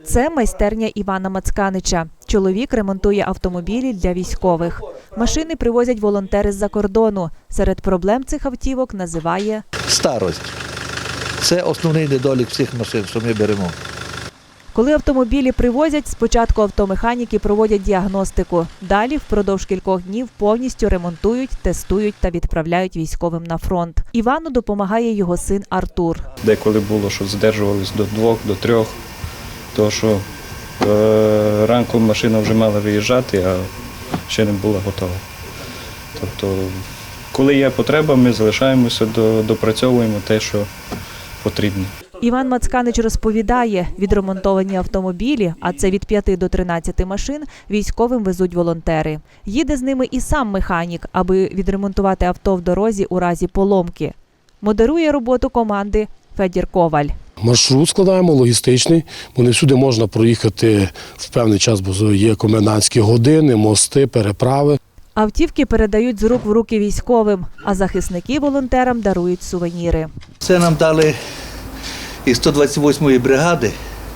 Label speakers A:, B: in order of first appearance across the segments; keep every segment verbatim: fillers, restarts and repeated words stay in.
A: Це майстерня Івана Мацканича. Чоловік ремонтує автомобілі для військових. Машини привозять волонтери з-за кордону. Серед проблем цих автівок називає
B: старость. Це основний недолік всіх машин, що ми беремо.
A: Коли автомобілі привозять, спочатку автомеханіки проводять діагностику. Далі впродовж кількох днів повністю ремонтують, тестують та відправляють військовим на фронт. Івану допомагає його син Артур.
C: Деколи було, що задержувались до двох, до трьох, тому що е, ранком машина вже мала виїжджати, а ще не була готова. Тобто, коли є потреба, ми залишаємося, до, допрацьовуємо те, що потрібно.
A: Іван Мацканич розповідає, відремонтовані автомобілі, а це від п'яти до тринадцяти машин, військовим везуть волонтери. Їде з ними і сам механік, аби відремонтувати авто в дорозі у разі поломки. Модерує роботу команди Федір Коваль.
D: Маршрут складаємо, логістичний, бо не всюди можна проїхати в певний час, бо є комендантські години, мости, переправи.
A: Автівки передають з рук в руки військовим, а захисники волонтерам дарують сувеніри.
B: Це нам дали із сто двадцять восьмої бригади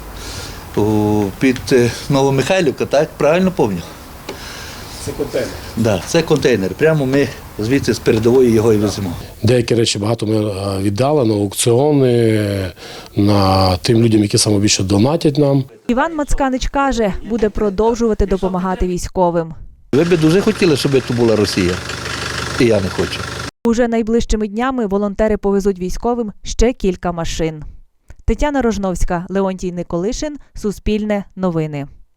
B: під Новомихайлівка, так? Правильно пам'ятаю?
D: Це контейнер.
B: Да, це контейнер. Прямо ми звідси з передової його і веземо.
D: Деякі речі багато ми віддали на аукціони, на тим людям, які саме більше донатять нам.
A: Іван Мацканич каже, буде продовжувати допомагати військовим.
B: Ви б дуже хотіли, щоб це була Росія. І я не хочу.
A: Уже найближчими днями волонтери повезуть військовим ще кілька машин. Тетяна Рожновська, Леонтій Николишин, Суспільне новини.